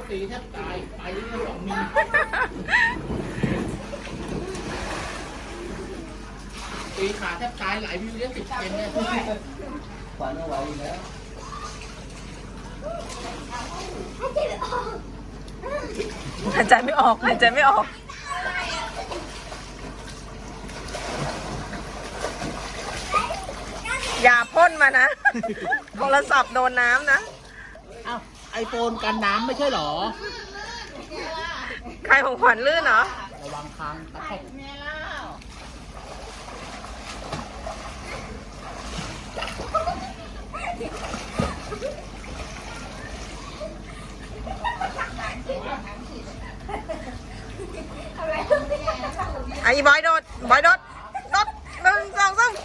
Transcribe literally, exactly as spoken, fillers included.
ตีแทบตายไปเรื่อยสองมิลตีขาแทบตายหลายวิวเลี้ยงติดเกมเนี่ยขวัญเอาไว้แล้วหายใจไม่ออกหายใจไม่ออกอย่าพ่นมานะโทรศัพท์โดนน้ำนะอ้าวไอโฟนกันน้ำไม่ใช่หรอใครของขวัญลื่นเหรอระวังคางตะแคงไอ้บอยโดดบอยโดดโดดหนึ่งสองสาม